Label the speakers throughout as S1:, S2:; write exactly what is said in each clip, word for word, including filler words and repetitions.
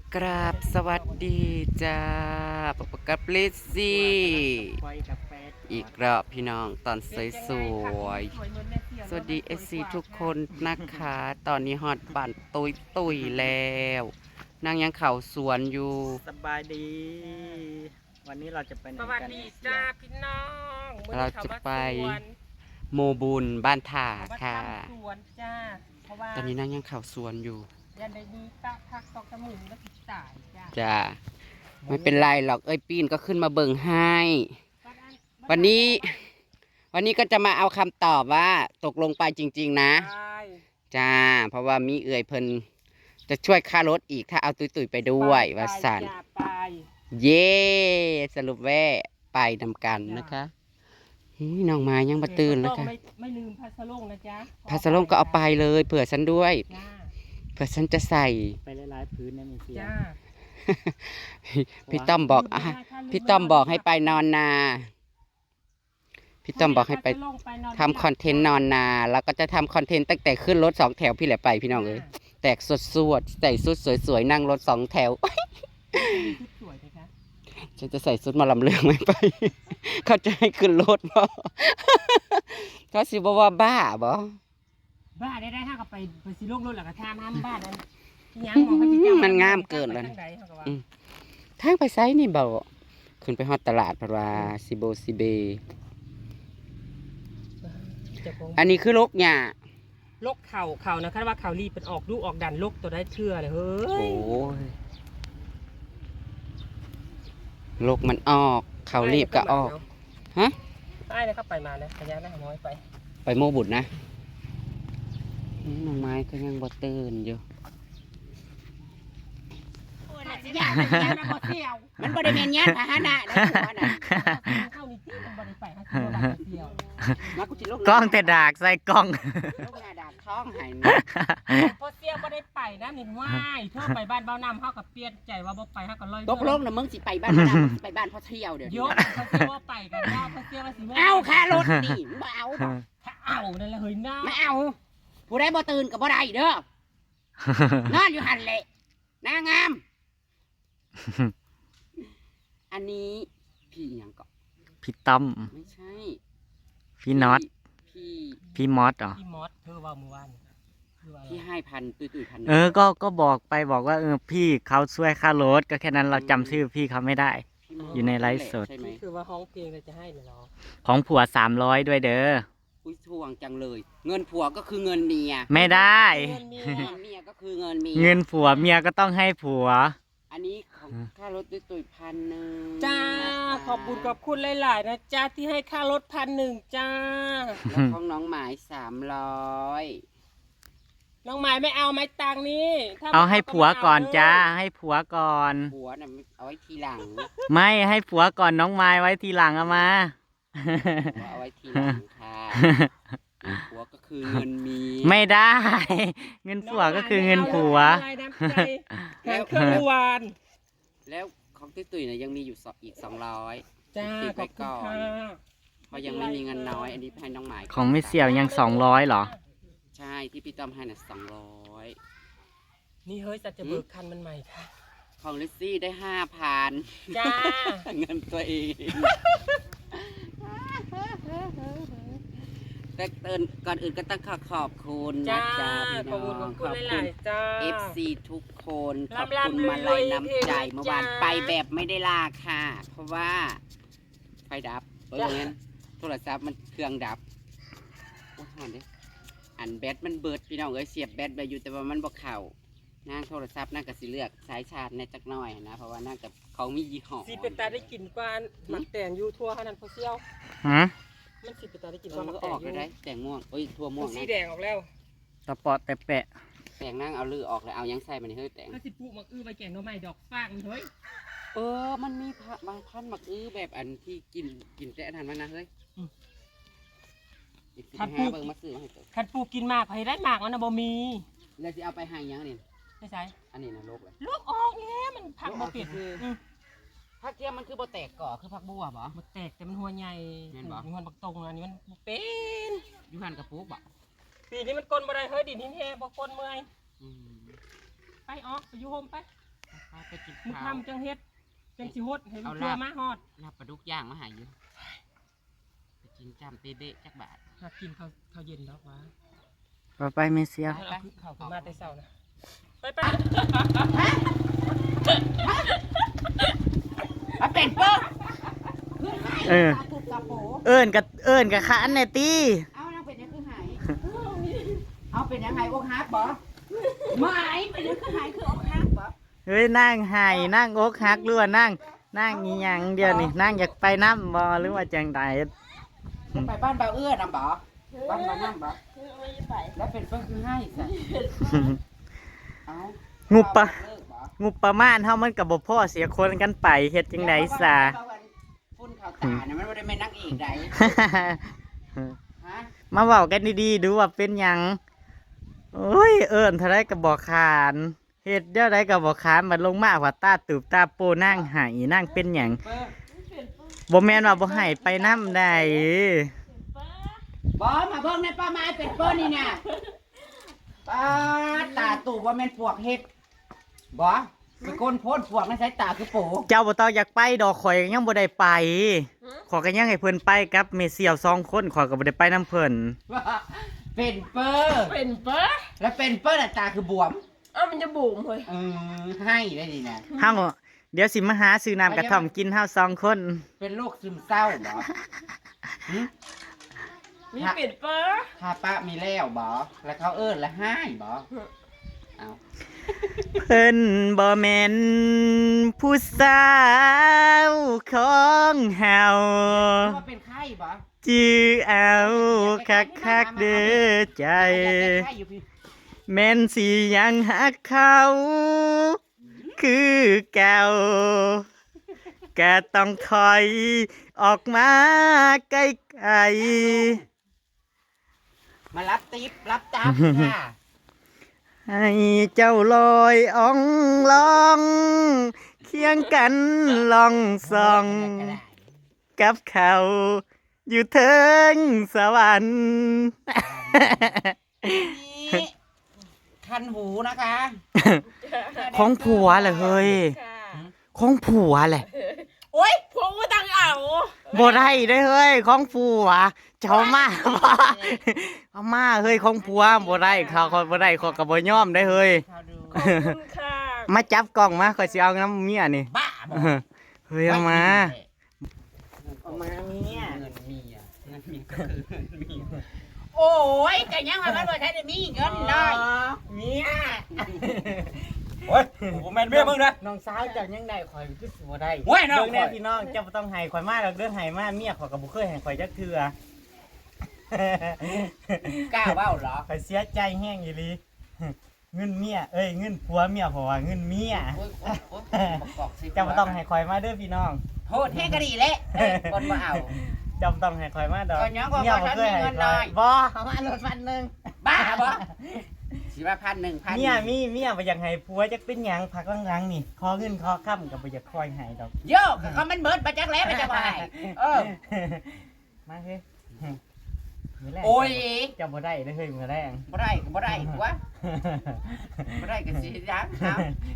S1: กราบสวัสดีจ้าปกกับลิซซี่อีกรอบพี่น้องตอนสวยสวยสวัสดีเอซีทุกคนนะคะ ตอนนี้ฮอตบ้านตุยตุยแล้วนางยังเข่าสวนอยู่
S2: สบายดี วันนี้เราจะไปไหน
S3: ส
S2: กัน
S3: วัสดีจ้าพี่น้อง
S1: เราจะไปโมบุญบ้านถ่าค่ะ
S3: สวนจ้าเพราะว่า
S1: ตอนนี้นางยังเข่าสวนอยู่
S3: ยันได้ดีตะพักตอกจมูกแล้วติดสายจ้า
S1: จ้าไม่เป็นไรหรอกเอ้ยปีนก็ขึ้นมาเบิ่งให้ วันนี้ วันนี้ก็จะมาเอาคำตอบว่าตกลงไปจริงๆนะ
S3: ใช่
S1: จ้า เพราะว่ามีเอื่อยเพิ่นจะช่วยค่ารถอีกถ้าเอาตุยตุยๆไปด้วยว่าสัน
S3: ไปจ้าไป
S1: เย่สรุปแว่ไปนำกันนะคะหืยน้องไม้ยังมาตื่นแล้วค่ะ
S3: ไม่ไม่ลืมพัสลงนะจ๊ะ
S1: พาสลงก็เอาไปเลยเผื่อฉันด้วย
S3: จ้า
S1: เผื่อฉันจะใส่
S2: ไปหลายๆพื้นนะมีเสีย
S3: จ้า
S1: พี่ต้อมบอกอ่ะพี่ต้อมบอกให้ไปนอนนา พี่ต้อมบอกให้ไปทำคอนเทนต์นอนนา แล้วก็จะทำคอนเทนต์ตั้งแต่ขึ้นรถสองแถวพี่แหละไปพี่น้องเอ้ยแตกสดสวดใส่สุดสวยๆนั่งรถสองแถว
S3: สวยนะคะ
S1: ฉันจะใส่ชุดมาลำเลืองไม่ไป เขาจะให้ขึ้นรถบ่ เขาสิบอกว่าบ้าบ่
S3: บ้าได้ได้ถ้ากับไปไปสิลงรถหลังกระทำห้ามบ้านนั้นยังมองเขาจะ
S1: มันงามเกินแล้ว
S3: ทา
S1: นะ
S3: งใดเขาก็ว่า
S1: ทางไปไซนี่บ่ขึ้นไปฮอดตลาดเพราะว่าซิโบซิเบ
S3: เจ้าของ
S1: อันนี้คือลกหญ้า
S3: ลกเข่าเข่านะคาดว่าเข่ารีบเป็นออกลูกออกดันลกตัวได้เชื่อเลยเฮ้
S1: โอ้
S3: ย
S1: ยลกมันออกเขารีบก็ออกฮะ
S3: ใต้เลยเข้าไปมานะขยันนะน้อยไป
S1: ไปโมบุตรนะอืมน้องไม้ก็ยังบ่ตื่นอยู่ มันบ่ได้แม่นญาติพาหนะนะผัวน่ะ
S3: เข้านี่ที่มันบริไปฮะที่เราดักเดียว
S1: มากูสิลก
S2: กล้องแต่ดากใส่กล้อง
S1: ลกหน้าดากท้องให้นี่
S3: พอเสียบ่ได้ไปนะนี่ว่ายเธอไปบ้านเบ้าน้ำเขากับเปลี่ยนใจว่าบ่ไปเขาก็ลอย
S1: ตกลงนะมึงสิไปบ้านพ่อดำไปบ้านพ่อเที่ยวเดี๋ยวนี้
S3: ยกพอเสียว่าไปกันว่าพอเสียว่าสิ
S1: เอาค่ารถนี่มึงบ่เอาบ่
S3: ถ้าเอานั่นแหละเฮ้ยน้า
S1: ไม่เอาผู้ใดบ่ตื่นก็บ่ได้เด้อนอนอยู่หันแหละนางงาม อันนี้พี่หยังก็
S2: พี่ต้อม
S1: ไม่ใช่
S2: พี่น็อต
S1: พี่
S2: พี่มอสเหรอ
S3: พี่มอสเธอว่าเมื่อวานคือว่าอะไร
S1: พี่ให้พันตุยตุยๆพัน
S2: เออ ก็ ก็บอกไปบอกว่าเออพี่เขาช่วยค่ารถก็แค่นั้นเราจำชื่อพี่เขาไม่ได้
S1: พี่ม
S2: อยู่ในไลฟ์สด
S1: ใช่ไหม
S3: คือว่าห้องเพลงเราจะให้เลยเนาะ
S2: ของผัวสามร้อยด้วยเด้อ
S1: อุ้ยทวงจังเลย เงินผัวก็คือเงินเมีย
S2: ไม่ได้
S3: เงินเมีย
S1: เงินเมียก็คือเงินเมีย
S2: เงินผัวเมียก็ต้องให้ผัว
S1: อันนี้ของค่ารถตุยตุยๆพันหนึ่ง
S3: จ้า
S1: นะคะ
S3: ขอบคุณขอบคุณหลายๆนะจ้าที่ให้ค่ารถพันหนึ่งจ้า
S1: แล้วของน้องหมายสามร้อย
S3: น้องหมายไม่เอาไม้ตังนี้ถ้
S2: เอาให้ผัวก่อน
S3: ไม่เ
S2: จ้า ให้ผัวก่อน
S1: ผัวน่ะเอาไว้ทีหลัง
S2: ไม่ให้ผัวก่อนน้องไม้ไว้ทีหลังเอามา
S1: ผัวเอาไว้ทีหลังค่ะผัวก็คือเงินเมีย
S2: ไม่ได้ เงินผัวก็คือเงินผัว
S3: อะไรน้ำใจแข่งเครื่องเมื่อวาน
S1: แล้วของตุ้ยตุยเนี่ยยังมีอยู่สองอีกสองร้อย
S3: จ้า
S1: ติด
S3: ข
S1: ไว้
S3: อบคุณ
S1: ก่อน
S3: ค่ะ
S1: เพราะยังไม่มีเงินน้อย อันนี้ให้น้องหมาย
S2: ของไม่เสี่ยวยังสองร้อยเหรอ
S1: ใช่ที่พี่ต้อมให้น่ะสองร้อย
S3: นี่เฮ้ยสัตว์จะเบิกคันมันใหม่ค่ะ
S1: ของลิซซี่ได้ห้าพัน
S3: จ้า
S1: เงินตัวเอง แต่เตือนก่อนอื่นก็ต้องขอขอบคุณนะ
S3: จ้า
S1: จ๊ะพี่
S3: ขอบคุณข
S1: น้อ
S3: อง บ
S1: ข
S3: คุณ
S1: อบ
S3: ห
S1: คุ
S3: ลา
S1: ณ
S3: ยๆจ้า
S1: เอฟ ซี ทุกคนขอบ
S3: ร่ำ
S1: คุณ
S3: ๆ
S1: มาลัย
S3: รวยๆ
S1: น้ำใจ
S3: เอง
S1: เมื่อวาน
S3: จ้า
S1: ไปแบบไม่ได้ลาค่ะ เพราะว่าไฟดับเออ
S3: จ้า
S1: งั้นโทรศัพท์มันเครื่องดับโอ้ยหอนเด้อันแบตมันเบิดพี่น้องเอ้ยเสียบแบตไปอยู่แต่ว่ามันบ่เข้านางโทรศัพท์นางก็สิเลือกสายชาร์จในจักหน่อยนะเพราะว่านางกับเขามียี่ห้อ
S3: สีเป็นตาได้กลิ่นกว่าหมักแต่งยูทั่วขนาดพอเซี่ยว
S2: ฮะ
S3: มันสีเป็นตาได้กลิ่น
S1: เอก อ
S3: ว่าห
S1: มัน
S3: มัก
S1: ก็
S3: แต่
S1: อง อก
S3: ยู
S1: เลยได้แต่งม่วงเอ้ยทั่วม่ว
S3: มั
S1: ง
S3: นสี
S1: นะ
S3: แดงออกแล้ว
S2: ตะปอดแต่แปะ
S1: แต่งนั่งเอาลือออกเลยเอายังใส่มันเฮ้ยแต่ง
S3: ถ้าสิปลูกหมักอื้อไปแกงหน้ำไม้ดอกฟางมันเฮ้ย
S1: เออมันมีพระบางพันธุ์หมักอื้อแบบอันที่กินกินแต่อันนั้นมันนะเฮ้ยอีกสิบห้าเบิ่งมาซื้อมาให้ตัว
S3: คันปลูกกินมากใครได้มากมันนะบ่มี
S1: แล้วสิเอาไปให้ยังนี่
S3: ไม่ใช่
S1: อันนี้นะลกเลย
S3: ลูกออกแล้วมันผักบ่เปลี่ยน
S1: คือ
S3: อืม
S1: ผักเทียมมันคือบ่แตกก่อคือผักบัวบ่
S3: บ่แตกแต่มันหัวใหญ่
S1: แม่นบ่
S3: มีหัวบักตรงอันนี้มันบ่เป็น
S1: อยู่หันกระปุกบ่
S3: ปีนี้มันก้นบ่ได้เฮ้ยดินหินแห่บ่ก้นเมื่อย
S1: อืม
S3: ไปออกไปอยู่โฮมไป
S1: ไปไปกิน
S3: มึง
S1: ข้าว
S3: ทำจังเฮ็ดจังสิฮดให้ลูก
S1: เอา
S3: เรือ
S1: ลาบ
S3: มาฮอด
S1: ลาบปลาดุกย่างมาใหายอยู่ไปกินจำเตะๆจักบาท
S3: หากินข้าวข้าวเย็นดอกวะ
S2: ต่อไปเมเซีย
S3: เอาข้าวขึ้นมาแต่เช้านะไปไป
S1: มาเป็นเปิ้ล
S2: เออ
S1: ถูกกระโป
S2: เอิ้นกับเอิ้นกับขานแน่ตี
S1: เอานางเป็นยังคือหายเอาเป็นยังไงอกหักบ่ไม่เป็นยังคือหายคืออกหักบ่
S2: เฮ้ยนั่งไห้นั่งอกหักหรือว่านั่งนั่งอีหยังเดียวนี่นั่งอยากไปน้ำบ่หรือว่าจังใด
S1: จะไปบ้านเบาเอื้อนำบ่บ้านเบานั่งบ่แล้วเป็นเปิ้ลคือให้สิเอา
S2: งูปะ
S1: เลิกบ่
S2: งบประมาณเฮามันก็บ่พอเสียคนกันไปเฮ็ดจังได๋ซะ
S1: ฝุ่นขาวตาเนี่ยมันบ่ได้แม่นนางเอกใดฮะ
S2: มาเว้ากันดีๆดูว่าเป็นหยังโอ้ยเอิ้นเท่าไรก็บ่ขานเฮ็ดเดี๋ยวใดก็บ่ขานบัดลงมาว่าตาตูบตาโปนั่งไหนั่งเป็นหยัง
S1: เปิ้ล
S2: บ่แม่นว่าบ่ให้ไปนำได้
S1: บ่มาเบิ่งในป้าไม้เป็ดเปิ้ลนี่น่ะป้าตาตู่ว่าแม่นปวกเฮ็ดบ่เป็นคนโพดปวกในสายตาคือโป
S2: เจ้าบ่ต้องอยากไปดอกข่อยก็ยังบ่ได้ไปขอยก็ยังให้เพิ่นไปกับเมเซียวสองคนข่อยก็บ่ได้ไปนํเพิ่น
S1: เป็นเปิ้ล
S3: เป็นปะ
S1: แล้วเป็นเปิ้ลน่ะตาคือบวม
S3: เอ้ามันจะบุ๋มเฮ้ย
S1: เออให้ได้ดีนะ
S2: เฮาเดี๋ยวสิมาหาซื้อน้ำกระท่อมกินเฮาสองคน
S1: เป็นโรคซึมเศร้าบ่หึ
S3: มีเป็นปะ
S1: ถ้าป้ามีแล้วบ่แล้วเขาเอิ้นแล้วให้บ่เอา
S2: เพิ่นบ่แม่นผู้สาวของเฮา
S1: คิดว่าเป็นไข้บ่
S2: จื้อเอาคักๆเด้อใจ
S1: ไข้อยู่พี่
S2: แม่นสิยังหักเขา คือเก่าก็ต้องถอยออกมาไกล
S1: มารับติ๊บรับจับค่ะ
S2: ๆให้เจ้าลอยอ่องลองเคียงกันลองส่อง กับเขาอยู่เทิงสวรรค์
S1: นี่คันหูนะคะ
S2: ของผัวแหละเฮ้ยของผัวแหละ
S3: โอ๊ยพวกกูตังเอา
S2: บ่ได้ได้อเฮ้ยของผัวเจ้ามาบ่เอามาเฮ้ยของผัวบ่ได้เขาเขาบ่ได้เขาก็บ่ยอมได้อเฮ้ย
S1: เขาดู
S3: ขอบคุณค่ะ
S2: มาจับกล้องมาข่อยสิเอาน้ำเมียนี่
S1: บ้าบ่
S2: เฮ้ยเอามา
S1: เอามาเมียเงินเมียเงินเมียก็คือเงินเมียโอ้ยก็ยังว่ามันบ่ทันได้มีเงินเลยเมีย
S4: โอ้ยผมแมนเบี้ยมึงนะ
S2: น้องสาวเจ้ายังได้ข่อยคือสิบ่ได้
S4: โอ้ยน้อง
S2: เบิ่งแน่พี่น้องเจ้าบ่ต้องให้ข่อยมาดอกเด้อให้มาเมียข่อยก็บ่เคยให้ข่อยจักเทื่อก
S1: ล้าเว้าเหรอ
S2: ข่อยเสียใจแห้งอีหลีเงินเมียเอ้ยเงินผัวเมียเพราะว่าเงินเมีย
S1: โอ้ยโอ้ยโอ้ยบอกสิ
S2: เจ้าบ่ต้องให้ข่อยมาเด้อพี่น้อง
S1: โทษแห้งก็ดีแหละเอ้ยคนบ่เอา
S2: เจ้าบ่ต้องให้ข่อยมาดอก
S1: ข่อยยังบอก
S2: เมีย
S1: ว่า
S2: บ่เคยให้
S1: ฉันมีเงินน้
S2: ข่อ
S1: อย ย
S2: บ่เอามาลดพันหนึง
S1: บ้าบ่สิว่าพันหนึ่งพัน
S2: เมียมีเมียบ่อยากให้ผัวจักเป็นหยังพักหลังๆนี่ขอเงินขอค้ำก็บ่อยากคอยให้ดอก
S1: โยกเขามันเบิดมาจากแล้วมาจากไหนเออ
S2: มาเฮ้ยมื้แรง
S1: โอ้ย
S2: เจ้าบ่ได้เด้อเฮ้ยมื้อแรง
S1: บ่ได้ก็บ่ได้วะบ่ได้ก็สิยังเอา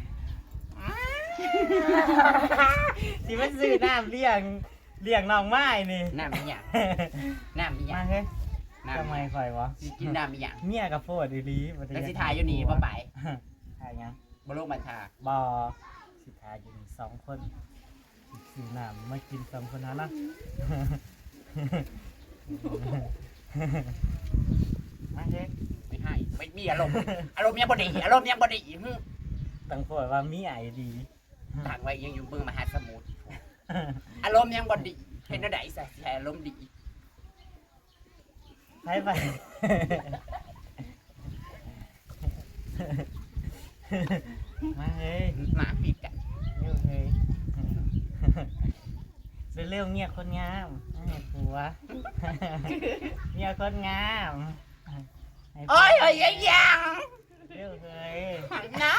S2: สิมาซื้อน้ำเลี้ยงเลี้ยงน้องไม้นี่
S1: น้ำมีหยังน้ำมีหยั
S2: มาง เฮ้ย
S1: น้ำ
S2: ทำไมข่อยวะ
S1: สิกินน้ำมีหยัง
S2: เมียกับโฟดอีหลีบ่ได้
S1: แล้วสิถ่ายอยู่นี่บ่ไป
S2: ถ่ายหยัง
S1: บ่ลงมาทา
S2: บ่สิถ่ายอยู่นี่สองคนซื้อน้ำมากินสองคนนะนะ มาเฮ้ย
S1: ไม่ให้ไม่มีอารมณ์อารมณ์ยังบ่ดีอารมณ์ยังบ่ดีหึ
S2: ตั้งโฟดว่ามีไอดี
S1: ทางไว้ยังอยู่เมืองมหาสมุทรอารมณ์ยังบ่ดีเห็นได้ซะสิให้อารมณ์ดี
S2: ไปไป มาเฮ้ย
S1: หมาปิดกัน
S2: เร็วเฮ้ยเร็วๆเมียคนงามให้ผัว เมียคนงามให้ผัว
S1: โอ้ยเอ้ยยังยัง
S2: เร็วเฮ้ย
S1: น้า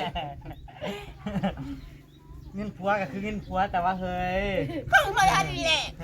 S2: เงินผัวก็คือเงินผัวแต่ว่าเฮ้ย
S1: คงบ่ทันนี่แหละ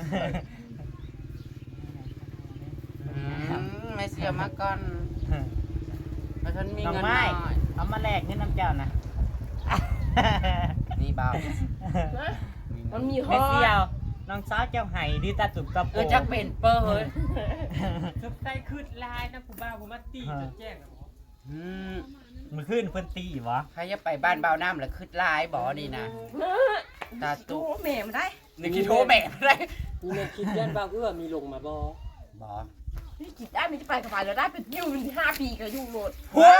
S1: ไม่เสียมาก่อนเพราะฉันมี
S2: น้อง
S1: เงิน
S2: ไม้
S1: น้อย
S2: เอามาแลกเงินน้ำเจ้านะ
S1: นี่เบา
S3: มันมีฮ
S2: ไม่
S3: อ
S2: เสียวน้องสาวเจ้าไห้ดีตาตุบกับ
S1: เออจักเป็นเปอร์เฮ้ย
S3: สุดใจคืดลายนะผู้บ้าผู้มาตีจนแจ้งอะหมอ
S1: อืม
S2: มือขึ้นเพิ่นตีวะ
S1: ใครจะไปบ้านเบาน้ำหรือขึ้นลายบ่นี่นะตาตุ
S5: โอ้แม่มาได้
S1: นี่คิดโทรแม่อะไร
S3: นี่แม่คิดยันบ้าเอื้อมีลงมาบ่
S1: บ่
S5: นี่กินได้ไม่ได้ไปกับไปแล้วได้เป็นอยู่ที่ห้าปีก็อยู่โหลด
S1: เฮ้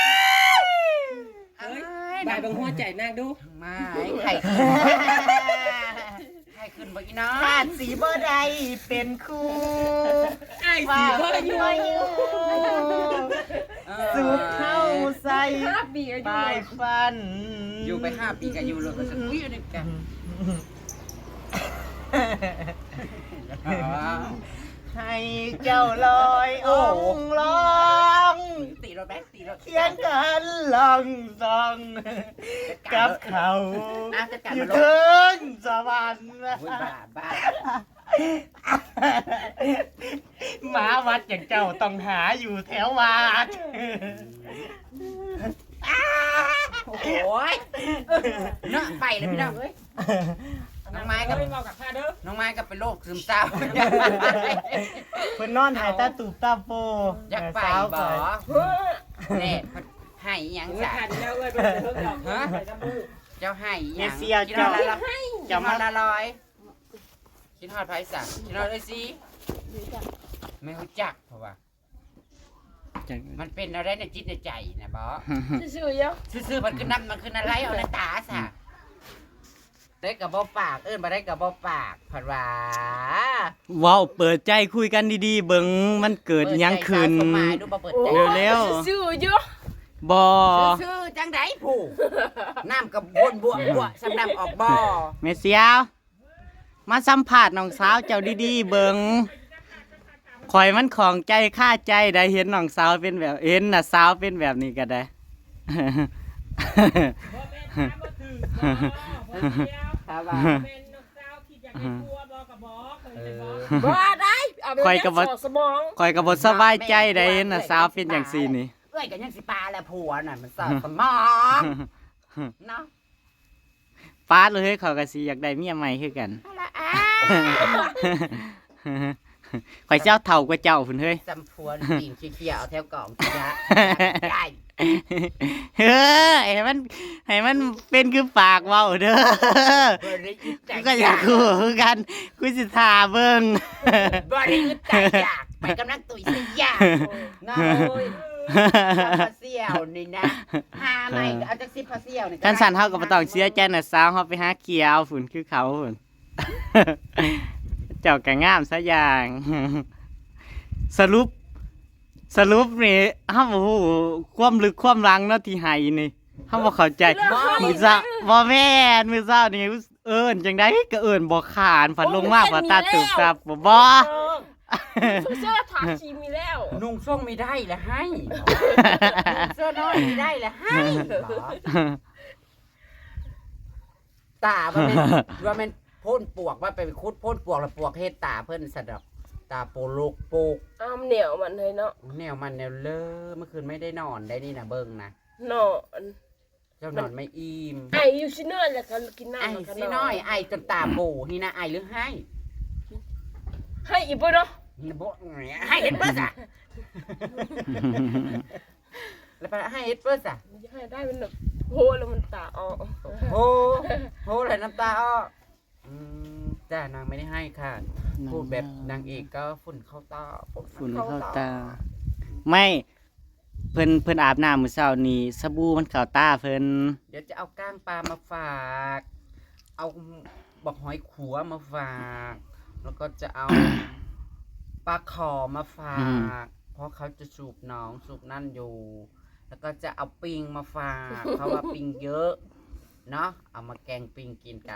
S1: ย
S3: บายบางหัวใจนางดู
S1: ไม่ไข่ขึ้นไข่ขึ้นบ่อีน้อง
S2: ขาดสีบ่ได้เป็นคู่
S3: ไอ้สีก็อยู่
S2: สุดเข้าใส่
S5: ห้าปีก็อยู่
S2: ปลายฟัน
S1: อยู่ไปห้าปีกันอยู่เลยก็จะคุยอยู่ด้วยกัน
S2: ให้เจ้าลอยองค์ลอง
S1: ตีรถแบ๊กตีรถ
S2: เคียงกันลองซองกับเขาอยู่ถึงสวรรค์
S1: โอ้ยบ้าบ้า
S2: หมาวัดอย่างเจ้าต้องหาอยู่แถววัด
S1: โอ้ยเนาะไปเลยพี่น้องเอ้ยน้องไม้กับ
S3: เฮ้ยเมากับข้าเด้อ
S1: น้องไม้กับเป็นโรคซึมเศร้า
S2: เพิ่นนอนหายตาตูบตาโป
S1: อยากไป
S2: สาว
S1: บ่
S3: เฮ้ย
S1: แน่ให้อีหยัง
S3: เออ
S1: จ้ะ
S3: ขาดแล้วเอ้ยไปเพิ่งดอกฮะไปกับมือ
S1: เจ้าให้อีห
S2: เม
S1: ยัง
S2: เซีย
S1: กิน
S2: เจ้า
S1: ฮอดละ
S2: จะ
S1: จะ
S2: มา
S1: มาละลอยกินฮอดไผสั่งกินฮอดเอ้ยสิไม่รู้จักเพราะว่า มันเป็นอะไรในจิตในใจนะบอ
S5: ซื่อๆเยอะ
S1: ซื่อๆมันคือน้ำมันคืออะไรเอาในตาสะได้กับบอปากเอิ้นมาได้กับบอปากผัดว่า
S2: ว้าวเปิดใจคุยกันดีๆ เบิ่งมันเกิดหยังขึ้น
S1: เปิดใจสาวสมัยดูบ่เปิดใจ
S2: เร็ว
S5: ซื่อๆเยอะ
S2: บอ
S1: ซื่อๆจังไดผู้น้ำกับวนบวบวสำน้ำออกบ่อ
S2: เมเซียวมาสัมผัสน้องสาวเจ้าดีๆ เบิ่งข่อยมันของใจค่าใจได้เห็นน้องสาวเป็นแบบเห็นน่ะสาวเป็นแบบนี้ก็ได้
S3: บ่แม่นถามบ่ถือบ่บ่เดียว
S1: ถ้าว่า
S3: เป็นนกเจ้าคิดอยากได้ตัวบ่กับบ่เคย
S1: เอ
S3: ได้บ่
S1: อ
S5: บ้าได้เอาไป
S2: ข่อยก็บ่
S5: ยัดสมอง
S2: ข่อยก็บ่สบายใจได้เห็นน่ะสาวเป็นอย่างซี่นี่
S1: เอ้ยกันยังสิปลาแหละผัวน่ะมันสอดสมองเนาะ
S2: ฟาดเลยเขาก็สิอยากได้เมียใหม่คือกัน
S1: เอาละอ่ะ
S2: ข่อยเจ้าเฒ่ากว่าเจ้าพุ่นเฮ้ย
S1: จำผัวตีนเขี้ยวๆเอาแถวกล่องสิยะใหญ่
S2: เฮ้ยให้มันให้มันเป็นคือปากเว้าเด้อ
S1: บริยุทธ์ใจ
S2: กูก็อยากคู่คือกันกูสิท่าเบิ่ง
S1: บริยุทธ์ใจอยากไปกำลังตุยสิอยากน้อยพาเสี่ยวนี่นะหาใหม่ก็เอาจากสิพาเสี่ยวนี่
S2: ท่านสันเฮาก็บ่ต้องเสียใจน่ะสาวเฮาไปหาเขียวฝุ่นคือเขาฝุ่น เจ้าก็งามซะอย่าง สรุป สรุปนี่เฮาบ่ฮู้ความลึกความหลังเนาะที่ให้นี่เฮาบ่เข้าใจมื้อซะบ่แม่นมื้อเช้านี่เอิ้นจังได๋ก็เอิ้นบ่ขานฝันลงมาบ่ตาตึกตับบ่บ่
S5: เสื้อถามชีมีแล้ว
S1: นุ่งส่งไม่ได้ละให้เสื้อน้อยไม่ได้ละให้ตาว่าเป็นว่าเป็นพ่นปวกว่าไปคุดพ่นปวกแล้วปวกเฮ็ดตาเพิ่นสะดอกตาโปลูกโปก
S5: อ้ามเหนียวมันเลยเนาะ
S1: แนวมันแนวเลอเมื่อคืนไม่ได้นอนได้นี่นะเบิ่งนะ
S5: นอน
S1: เจ้านอนไม่อิ่ม
S5: ไออยู่ชิเนอร์แล้วก็กินน้ำ
S1: ไอ้
S5: แล้วก็
S1: สิน้อยไอ้จนตาโบนี่นะไอ้หรือให้
S5: ให้อีกบ่เนาะ
S1: นี่โบให้เฮ็ดเปิ้ลอ่ะแล้วไปให้เฮ็ดเปิ้ลอ่ะ
S5: มันจะให้ได้เป็นแบบโหแล้วมันตาออก
S1: โอ้โหเลยน้ำตาอ้ออืมจ้านางไม่ได้ให้ค่ะ พูดแบบนางเอกก็ฝุ่นเข้าตา
S2: ฝุ่นเข้าตา ไม่เพิ่นเพิ่นอาบน้ำมื้อเช้านี้สบู่มันเข้าตาเพิ่น
S1: เดี๋ยวจะเอาก้างปลามาฝาก เอาบอกหอยขัวมาฝาก แล้วก็จะเอาปลาขอมาฝาก เพราะเขาจะสูบหนองสูบนั่นอยู่ แล้วก็จะเอาปิงมาฝาก เพราะว่าปิงเยอะ เนาะเอามาแกงปิงกินกัน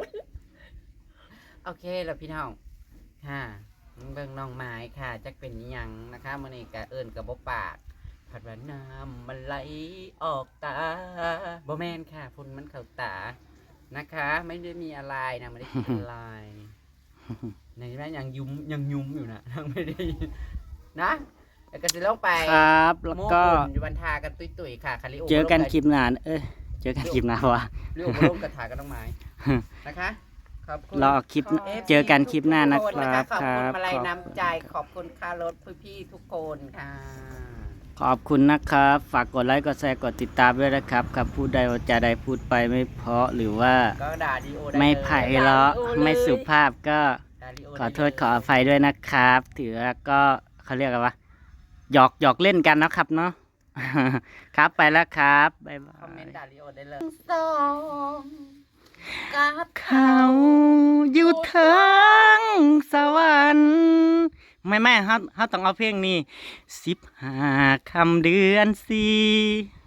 S1: โอเคแล้วพี่น้อง ค่ะเบิ่งน้องไม้ค่ะจักเป็นอิหยังนะคะมื้อนี้ก็เอิ้นกับบ่ปากผัดว่าน้ำมันไหลออกตาบ่แม่นค่ะฝุ่นมันเข้าตานะคะ ไม่ได้มีอะไรนะไม่ได้คิดอะไรในนั้นยังยุ้มยังยุ้มอยู่นะยังไม่ได้นะแล้วก็สิลงไป
S2: ครับ แล้วก็
S1: โม้ปุ่นอยู่บันทากันตุยๆค่ะคาริโอ
S2: เจอกันคลิปหน้าเอ้ยเจอกันคลิปหน้าวะ
S1: เรื่องมาร่วมกระถากันน้องไม้นะคะขอบคุณ
S2: รอคลิป
S1: เอฟซี
S2: เจอกันคลิปหน้านะ
S1: ทุก
S2: ค
S1: น
S2: รับ
S1: ขอบ
S2: ค
S1: คุณ
S2: รับ
S1: มาลัย
S2: ขอบ
S1: น้ำใจขอบคุณค่ารถพี่ๆทุกคนค่ะ
S2: ขอบคุณนะครับ ฝากกดไลค์กดแชร์กดติดตามด้วยนะครับครับพูดใดว่าจะใดพูดไปไม่เพราะหรือว่า
S1: ก็ด่าดีโอได้
S2: ไม่
S1: เลย
S2: ไผ่เราะไม่สุภาพก็
S1: ด่าดีโ
S2: ขอโทษ
S1: ได้เลย
S2: ขออภัยด้วยนะครับ ถือว่าก็เขาเรียกอะไรวะหยอกหยอกเล่นกันนะครับเนาะ ครับไปแล้วครับบ๊ายบา
S1: คอมเมนต์
S2: ย
S1: ด่าดีโอได้เลย
S5: สองกับ
S2: เขาอยู่เทิงสวรรค์ไม่ไม่เขาเขาต้องเอาเพลงนี้สิบห้าคำเดือนสี่